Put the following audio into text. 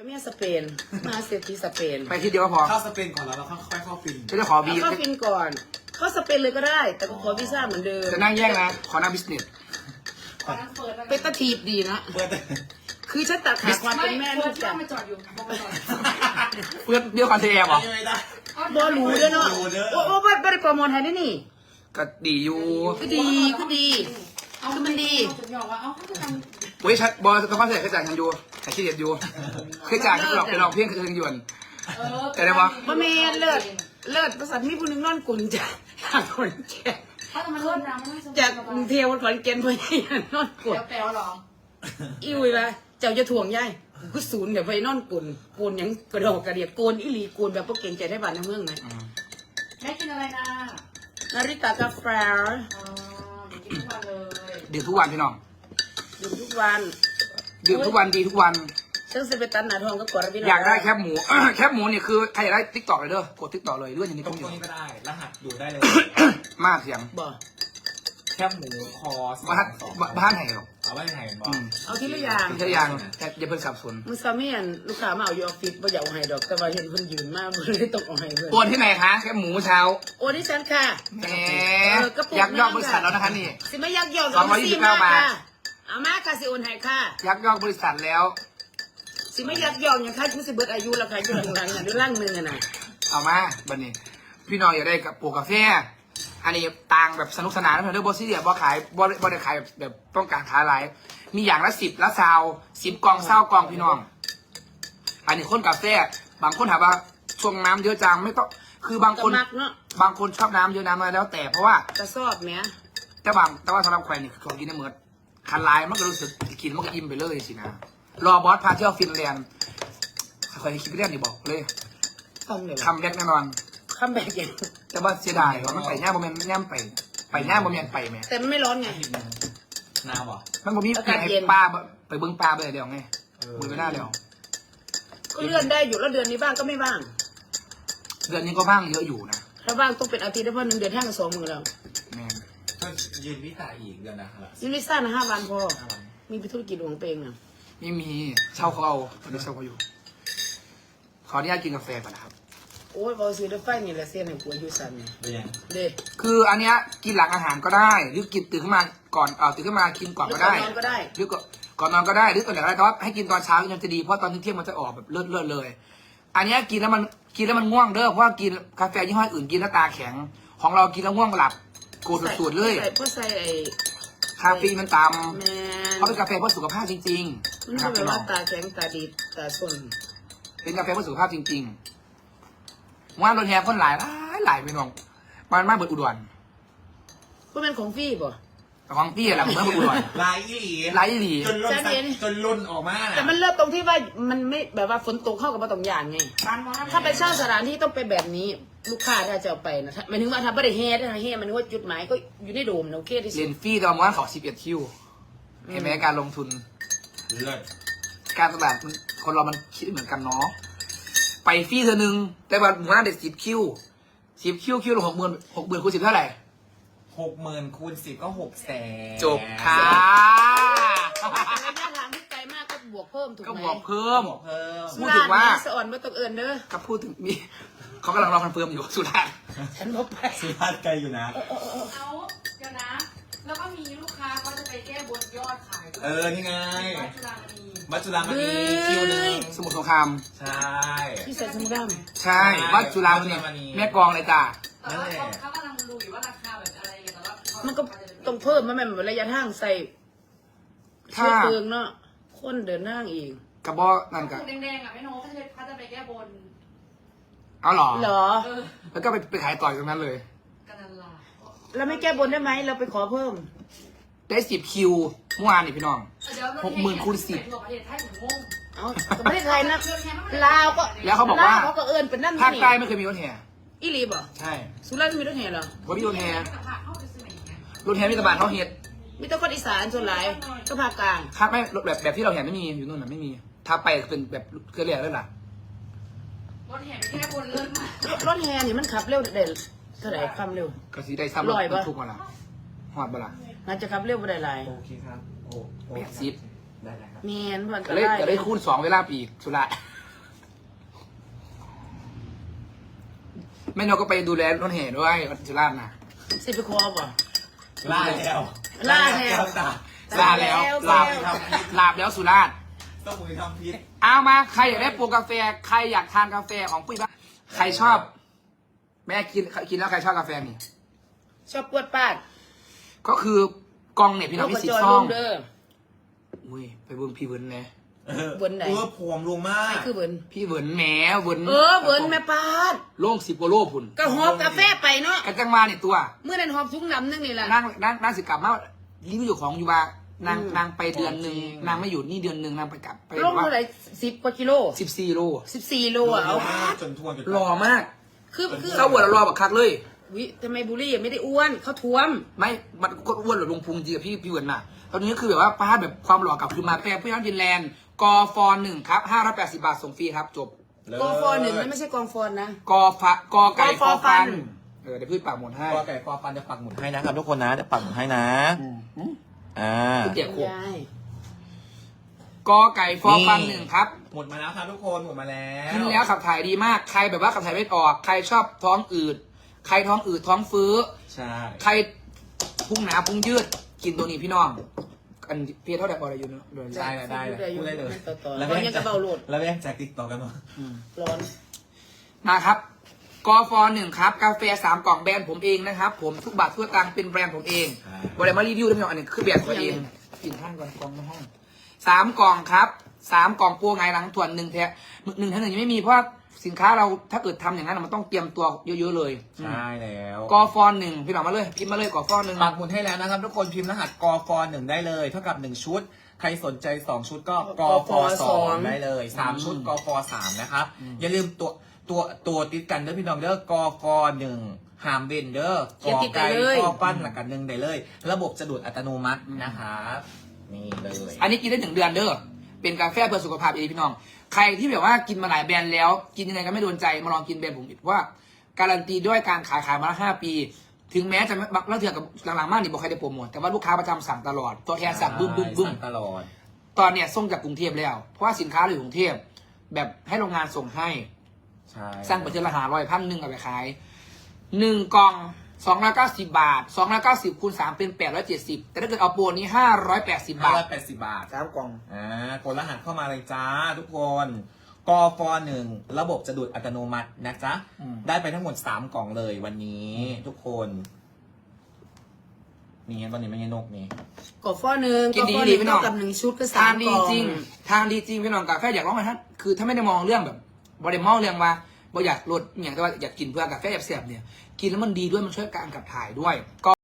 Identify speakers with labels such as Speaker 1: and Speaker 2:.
Speaker 1: เมียสเปนมาเศรษฐีสเปน
Speaker 2: ไปที่เดียวก็พอ
Speaker 3: เข้าสเปนก่อนแล้วเราค่อยเข้าฟิน
Speaker 2: จะได้ขอบี
Speaker 1: เข้าฟินก่อนเข้าสเปนเลยก็ได้ แต่ก็ขอวีซ่าเหมือนเดิม
Speaker 2: จะนั่งแย่งนะขอนั่งบิสเนส
Speaker 1: เป็นตะทีบดีนะ
Speaker 3: เปิด
Speaker 1: คือฉันตัดขาดความเป็นแม่ลูก
Speaker 4: จ้า
Speaker 1: จ้ะ
Speaker 4: มาจอดอยู่บอกไปก่อน
Speaker 2: เพื่อนเดียวกันเทแอร์บอก
Speaker 3: ไม่ได้
Speaker 1: บอหรูเด้อเนาะโอ้โอ้ไม่ได้โปรโมทให้นี่
Speaker 2: ก็ดีอยู่
Speaker 1: ก็ดีก็ดี
Speaker 4: เอามันดีถึงบอกว่าเอาเขาจะทำ
Speaker 2: เว้ยชัดบอลต้องเข้าใจเคยจ่ายทางยูแต่ขี้เดียดยูเคยจ่ายที่หลอกไปลองเพี้ยนคือทางยวน แต่ได้ปะ
Speaker 1: บ่แม่เลิศเลิศประสาทมีผู้หนึงนอนกุนจ้ะจากคนแก่
Speaker 4: เขาทำมาเริ่มรัง
Speaker 1: จากกรุงเทพวันขอนแก่นเพื่อนนอนกุน
Speaker 4: แปลวหรอ
Speaker 1: อิ้วเลยเจ้าจะถ่วงย่ายกูศูนย์เดี๋ยวไปนอนกุนกุนยังกระโดดกระเดียดโกนอีหลีกุนแบบพวกเก่งใจได้บ้านในเมืองไหม
Speaker 4: แม่กินอะไรนะ
Speaker 1: นาริตากาแฟ
Speaker 4: กินทุกวันเลย
Speaker 2: ดื่มทุกวันพี่น้อง
Speaker 1: ดื่มทุกวัน
Speaker 2: ดื่มทุกวันดีทุกวัน
Speaker 1: ซึ่งจะไปตันหนาทองก็กดระเบีย
Speaker 2: อยากได้แคบหมู แคบหมูนี่คือใครอยากได้ติ๊กต็อกเลยเด้อกดติ๊กต็อกเลยเรื่องอย่างนี้
Speaker 3: ตร
Speaker 2: ต้อง งอยู่
Speaker 3: นี้ก็ได้ รหัสอยู่ได้เลย
Speaker 2: มากเสียง
Speaker 1: บ่
Speaker 3: แคบหมูคอ
Speaker 2: บ้านไหนหรอก
Speaker 3: เอาไว้ไหนบอ
Speaker 2: อื
Speaker 3: ก
Speaker 2: ม
Speaker 1: เอาทีละอย่าง
Speaker 2: แค่ยังแต่อย่าเพิ่งสับสน
Speaker 1: มึงซาเมียนลูกค้ามาเอาอยู่ออฟฟิศบ่อยากเอาให้ดอกแต่ว่าเห็นเพิ่นยืนมากเลยต้องเอาให้เพิ่น
Speaker 2: โอนที่ไหนคะแคบหมูเช้า
Speaker 1: โอ้ดิฉันค่ะ
Speaker 2: แหมยักยอกบริษัทแล้วนะคะนี่
Speaker 1: สิไม่ยักยอก
Speaker 2: 229 บาท
Speaker 1: เอามาค่ะสิโอนให้ค่ะ
Speaker 2: ยักยอกบริษัทแล้ว
Speaker 1: สิไม่ยักยอกอย่างค่ะคือสิเบิดอายุแล้วค่ะอยู่หลังๆน่ะด้วยร่างหนึงอ่ะน่ะ
Speaker 2: เอามาบันนี้ พี่น้องอยากได้กับปลูกกาแฟอันนี้ต่างแบบสนุกสนานนะเพื่อนเด้อบอสซี่เดียบอขายบอได้ขายแบบต้องการขายหลายมีอย่างละ10ละ10 กล่อง20 กล่องพี่น้อง อันนี้คนกาแฟบางคนถามว่าช่วงน้ำเยอะจังไม่ต้องคือบาง
Speaker 1: ก็
Speaker 2: คน
Speaker 1: มักเนาะ
Speaker 2: บางคนชอบน้ำเยอะน้ำมาแล้วแต่เพราะว่า
Speaker 1: กระสอบแหม
Speaker 2: แต่ว่าสำหรับแขวนนี่คือของกินได้เหมือนคันลายมันก็รู้สึกกินมันก็อิ่มไปเลยสินะรอบอสพาเที่ยวฟินแลนด์ใครคิดไปเรื่องนี่บอกเลย
Speaker 1: ต้องเลย
Speaker 2: คำแรกแน่นอน
Speaker 1: คำแบบอย่าง
Speaker 2: แต่ว่าเสียดายว่ามันไปย่าโมเมนต์ย่ำไปย่าโมเมนต์ไปไหม
Speaker 1: แต่มันไม่ร้อนไง
Speaker 3: นาวอ่ะ
Speaker 2: มันบ่มี
Speaker 1: อากาศ
Speaker 2: ให้
Speaker 1: เย็น
Speaker 2: ป้าไปเบิ้งปลาไปเดี๋ยวไงมือไม่ได้เดี๋ยว
Speaker 1: ก็เลื่อนได้อยู่แล้วเดือนนี้บ้างก็ไม่บ้าง
Speaker 2: เดือนนี้ก็บ้างเยอะอยู่นะ
Speaker 1: ถ้าบ้างต้องเป็นอาทิตย์ได้เพราะ1 เดือนห้างกัน2 มื้อแล้ว
Speaker 2: แม่น
Speaker 3: ก็ยืนวิตาอีกเดือนนะครับ
Speaker 1: ซิลิซ่านะ5 วันพอมีธุรกิจของตัวเองนะ
Speaker 2: ไม่มีเช่าเขาเอาตอนนี้เช่าเขาอยู่ ขออนุญาตกินกาแฟก่อนนะครับ
Speaker 1: โอ้ยบอซื้อได้ไฟนี่แหละเสียนให้ผัวอยู่สั่นเนี่ย
Speaker 3: เป็นยัง
Speaker 1: เด้
Speaker 2: คืออันเนี้ยกินหลังอาหารก็ได้ หรือกินตื่นขึ้นมาก่อนตื่นขึ้นมากินก่อนก็ได้
Speaker 1: นอนก็ได้
Speaker 2: หรือก่อนนอนก็ได้หรือก่อนไหนก็ได้แต่ว่าให้กินตอนเช้ายังจะดีเพราะตอนเที่ยงมันจะออกแบบเลือดเลย อันเนี้ยกินแล้วมันง่วงเด้อเพราะว่ากินกาแฟยี่ห้ออื่นกินแล้วตาแข็ง ของเรากินแล้วง่วงหลับโกรธสุดๆเลย
Speaker 1: เพราะใส่ไอ้
Speaker 2: คาเฟอีนมันต่
Speaker 1: แม
Speaker 2: ำ
Speaker 1: น
Speaker 2: เขาเป็นกาแฟเพื่อสุขภาพจริง
Speaker 1: มัน
Speaker 2: ๆนะครับ
Speaker 1: ไม่
Speaker 2: พี่
Speaker 1: แบบ
Speaker 2: น้อ
Speaker 1: ว่าง ตาแข็งตาดีตาส้น
Speaker 2: เป็นกาแฟเพื่อสุขภาพจริงๆว่ารถแห่คนหลายพี่น้องมันมากเบิดอุดร
Speaker 1: พวกมันของฟรี่ป่ะ
Speaker 2: แต่ของพี่อะไรผมไม่เบิดอุดร
Speaker 3: ลายอีหลี
Speaker 2: ไลฟ์หลี
Speaker 3: จนล่นจนล่นออกมา
Speaker 1: แต่มันเลิศตรงที่ว่ามันไม่แบบว่าฝนตกเข้ากับมาตรงอย่างไง ถ้าไปเช่าสถานที่ต้องไปแบบนี้ ลูกค้าถ้าจะเอาไปนะหมายถึงว่าถ้าไม่ได้เฮดนะเฮดมันว่าจุดหมายก็อยู่ในโดมนะโอเคที่สุ
Speaker 2: เรีย
Speaker 1: ด
Speaker 2: นฟรีตอนวันเขา11 คิวเห็นไหมการลงทุน
Speaker 3: เลิศ
Speaker 2: การตลาดคนเรามันคิดเหมือนกันเนาะไปฟรีเธอนึงแต่ว่าหมู่บ้านเด็ด10 คิวคิวละ60,000คูณ10เท่าไหร่
Speaker 3: 60,000 คูณ 10 ก็ 600,000
Speaker 2: จบค่ะ
Speaker 1: ระยะทางที่ไกลมากก็บวกเพิ่มถูก
Speaker 2: ก็
Speaker 1: ไหม
Speaker 2: บอกเพิ่ม
Speaker 3: บอกเพิ่ม
Speaker 2: พูดถึงว่า
Speaker 1: สะอ่อนไม่ต้องเอินเด้อ
Speaker 2: ก็พูดถึงมีเขากำลังรอคอนเฟิร์มอยู่สุราษฎร์
Speaker 1: ฉันบอกไป
Speaker 3: สุราษฎร์ไกลอยู่นะ
Speaker 4: เอาเดี๋ยวนะ แล้วก็มีลูกค้าเขาจะไปแก้บนยอดขายด้วย
Speaker 3: นี่ไง
Speaker 4: วัดจุฬามณี
Speaker 3: วัดจุฬามณีคิวหนึง
Speaker 2: สมุทรสงคราม
Speaker 3: ใช่
Speaker 1: ที่ใส่สมุดด
Speaker 2: ใช่วัดจุฬามณีแม่กลองเลยจ้า
Speaker 4: แต่ว่าเขากำลังดูอยู่ว่าราคาแบบอะไรอย่างเงี้ยแต่ว่า
Speaker 1: ำมันก็ต้องเพิ่มมันแบบระยะทางใส่เชื้อเพลิงเนาะคนเดินห้างอีก
Speaker 2: กระบอกนั่นกัน
Speaker 4: แดงๆอ่ะไม่โน้เขาจะไปแก้บน
Speaker 2: เอาเหรอ
Speaker 1: เหรอ
Speaker 2: แล้วก็ไปขายต่อยตรงนั้นเลย
Speaker 4: กันนั่นล่ะ
Speaker 1: แล้วไม่แก้บนได้ไหมเราไปขอเพิ่ม
Speaker 2: ได้10 คิวเมื่อวานนี่พี่น้อง 60,000 คูณ 10
Speaker 4: ทั่วประเทศไทยถึงงง
Speaker 1: เอาแต่ประเทศไทยนะลาวก็
Speaker 2: แล้วเขาบอกว่า
Speaker 1: ลเขาก็เอินเป็นนั่น
Speaker 2: ภาค
Speaker 1: นี่
Speaker 2: ใต้ไม่เคยมีรถแห่
Speaker 1: อีหลีบ่
Speaker 2: ใช่
Speaker 1: สุราษฎร์มีรถแห่เหรอ
Speaker 2: ว่ามีรถแห่
Speaker 4: กับผักเข้าไปซื้อไหนอย่างเงี้ย
Speaker 2: รถแห่มีแตะบานเขาเฮ็ด
Speaker 1: มีแต่คนอีสานส่วนหลายก็ภาคกลาง
Speaker 2: ภาคไม่รถแบบที่เราเห็นไม่มีอยู่นู่นน่ะไม่มี ถ้าไปเป็นแบบเครือเรียกแล้วล่ะ
Speaker 4: รถแห่ไปแก้บนเลิศมาก
Speaker 1: รถแห่นี่มันขับเร็วเด่นเท่าไหร่ความเร็ว
Speaker 2: ก็สีได้ซ้ำรถ
Speaker 1: ร้อยปะ
Speaker 2: บรรทุกมาละหอดบ่ละ
Speaker 1: น่าจะขับเร็วบ่ได้หลาย
Speaker 3: โอเคครับ โอ้
Speaker 2: 80
Speaker 3: ได้ครับ
Speaker 1: แมนเพิ่น
Speaker 2: ก็
Speaker 1: ก็
Speaker 2: เลย
Speaker 1: ได้
Speaker 2: ก็เลยคูณ2เวลาปีกสุระแม่นกก็ไปดูแลรถแห่ด้วยสุราษฎร์นะ
Speaker 1: สิไปคอบ่
Speaker 3: ล่าแล้ว
Speaker 1: ล่าแล้ว
Speaker 3: จ้ะ
Speaker 2: ลาแล้วลาลาบแล้วสุราษฎร์
Speaker 3: ต้องมือทำพิษ
Speaker 2: เอามาใครอยากได้โปรกาแฟใครอยากทานกาแฟของปุ้ยบ้างใครชอบ แม่กินแล้วใครชอบกาแฟนี่
Speaker 1: ชอบปวดปาด
Speaker 2: ก็คือกองเนี่ยพี่น้องมีสี
Speaker 1: จอย
Speaker 2: ซ่
Speaker 1: ล
Speaker 2: อง
Speaker 1: งเด้อ
Speaker 2: อุ้ยไปเบิ้งพี่เวิร์นเลย
Speaker 1: เวิร์นไหน
Speaker 3: ผวมลงมา
Speaker 1: ใคร
Speaker 3: ก
Speaker 1: คือเวิร์น
Speaker 2: พี่เวิร์นแหมเวิร์น
Speaker 1: เวิร์นแม่ปาด
Speaker 2: โล่ง10 กว่าโลพุ่น
Speaker 1: ก็หอบกาแฟไปเนาะ
Speaker 2: กันจังมาเนี่ยตัว
Speaker 1: เมื่อนั้นหอบทุกน้ำนึงนี่แหละ
Speaker 2: นั่งสิกลับมารีวิวอยู่ของอยู่ว่านางไปเดือนหนึ่งนางไม่อยู่นี่เดือนหนึ่งนางไปกลับไป
Speaker 1: ลงเท่าไหร่10 กว่ากิโล
Speaker 2: 14 โล
Speaker 1: 14 โลอ่ะเอา
Speaker 3: จนทวนจน
Speaker 2: รอมาก
Speaker 1: คือ
Speaker 2: เศร้าหัวเรารอแบบคักเลย
Speaker 1: วิทำไมบุรี่ไม่ได้อ้วนเขาท้วม
Speaker 2: ไม่มันก็อ้วนหรือลงพุงจริงกับพี่เวิร์นน่ะตอนนี้ก็คือแบบว่าป้าแบบความหล่อกลับคือมาแปรพี่น้องฟินแลนด์กอฟอน1ครับ580 บาทส่งฟรีครับจบ
Speaker 1: กองฟอนหนึ่งไม่ใช่กองฟอนนะ
Speaker 2: กอไก่
Speaker 1: กอฟอฟั
Speaker 2: ฟั
Speaker 1: น
Speaker 2: นเดี๋ยวพี่ปากหมดให้
Speaker 3: กอไก่ฟอฟันจะปักหมุดให้นะครับทุกคนนะจะปักหมุดให้นะอ่า
Speaker 2: เดี๋ยวขวบ
Speaker 1: ยาย
Speaker 2: กอไก่ฟอฟัน1ครับ
Speaker 3: หมดมาแล้วครับทุกคนหมดมาแล้ว
Speaker 2: กินแล้วขับถ่ายดีมากใครแบบว่าขับถ่ายไม่ออก ใครชอบท้องอืดใครท้องอืดท้องฟื้อ
Speaker 3: ใช่
Speaker 2: ใครพุงหนาพุงยืดกินตัวนี้พี่น้องอันเพียเท่าไหร่พออะไรอยู่เนาะโดย
Speaker 3: ได้เลยได้เลยพูดได้เลย
Speaker 1: ต่อ
Speaker 3: แล้ว
Speaker 1: ตอน
Speaker 3: แม่
Speaker 1: นี้กระเบาโหลด
Speaker 3: แล้วแม่งแจกติ๊กต่อกันเนาะ
Speaker 1: ร้อน
Speaker 2: มาครับกอฟอ1ครับกาแฟ3 กล่องแบรนด์ผมเองนะครับผมทุกบาททุกสตางค์เป็นแบรนด์ผมเองบริมารีวิวด้วยพี่น้องอันนี้คือแบรนด์ตัวเองกินข้างก่อนกล่องในห้อง3 กล่องครับ3 กล่องปัวไงหลังถ่วน1แท้1ทั้ง1ยังไม่มีเพราะสินค้าเราถ้าเกิดทำอย่างนั้นมันต้องเตรียมตัวเยอะๆเลย
Speaker 3: ใช่แล้ว
Speaker 2: กอฟอ1พี่น้องมาเลยพิมพ์มาเลยกอฟอ1
Speaker 3: ปักหมุดให้แล้วนะครับทุกคนพิมพ์รหัสกฟ1ได้เลยเท่ากับ1ชุดใครสนใจ2ชุดก็กฟ2ได้เลย3ชุดกฟ3นะครับอย่าลืมตัวติดกันเด้อพี่น้องเด้อกฟ1หามเวนเด้อกอไก่กอปั้นหลักกัน1ได้เลย ระบบจะดูดอัตโนมัตินะครับนี่เลย
Speaker 2: อันนี้กินได้1 เดือนเด้อเป็นกาแฟเพื่อสุขภาพเองพี่น้องใครที่แบบว่ากินมาหลายแบรนด์แล้วกินยังไงก็ไม่โดนใจมาลองกินแบรนด์ผมอีกว่าการันตีด้วยการขายมาแล้ว5 ปี ถึงแม้จะแล้วเถื่อนกับหลังๆมากนี่บอกใครได้โปรโมทแต่ว่าลูกค้าประจำสั่งตลอดตัวแทนสั่งบึ้มบึ้มบึ้ม
Speaker 3: สั่งตลอด
Speaker 2: ตอนเนี้ยส่งจากกรุงเทพแล้วเพราะว่าสินค้าเราอยู่กรุงเทพแบบให้โรงงานส่งให้
Speaker 3: ใช่
Speaker 2: สร้างปัจจัยละ100,000เอาไปขาย1 กล่อง290 บาท290คูณ3เป็น870แต่ถ้าเกิดเอาโปรนี้580 บาท
Speaker 3: 580 บาท
Speaker 2: 3 กล่อง
Speaker 3: กดรหัสเข้ามาเลยจ้าทุกคนกฟ1ระบบจะดูดอัตโนมัตินะจ๊ะ ได้ไปทั้งหมด3 กล่องเลยวันนี้ทุกคนนี่เห็นตอนนี้ไม่ใช่นกนี่
Speaker 1: กดฟอหนึ่ง
Speaker 2: กินดี
Speaker 1: กดฟอห
Speaker 2: ดี
Speaker 1: นึ่ง
Speaker 2: พี่น้อง
Speaker 1: เท่ากับ1 ชุดก็
Speaker 2: ทาน
Speaker 1: 3
Speaker 2: ดี
Speaker 1: กล่อง
Speaker 2: จริงทานดีจริงพี่น้องกาแฟอยากร้องไหมท่านคือถ้าไม่ได้มองเรื่องแบบบริมอลเรื่องว่าบ่อยากลดอย่างแต่ว่าอยากกินเพื่อกาแฟแบบเสียบเนี่ยกินแล้วมันดีด้วยมันช่วยการขับถ่ายด้วยก็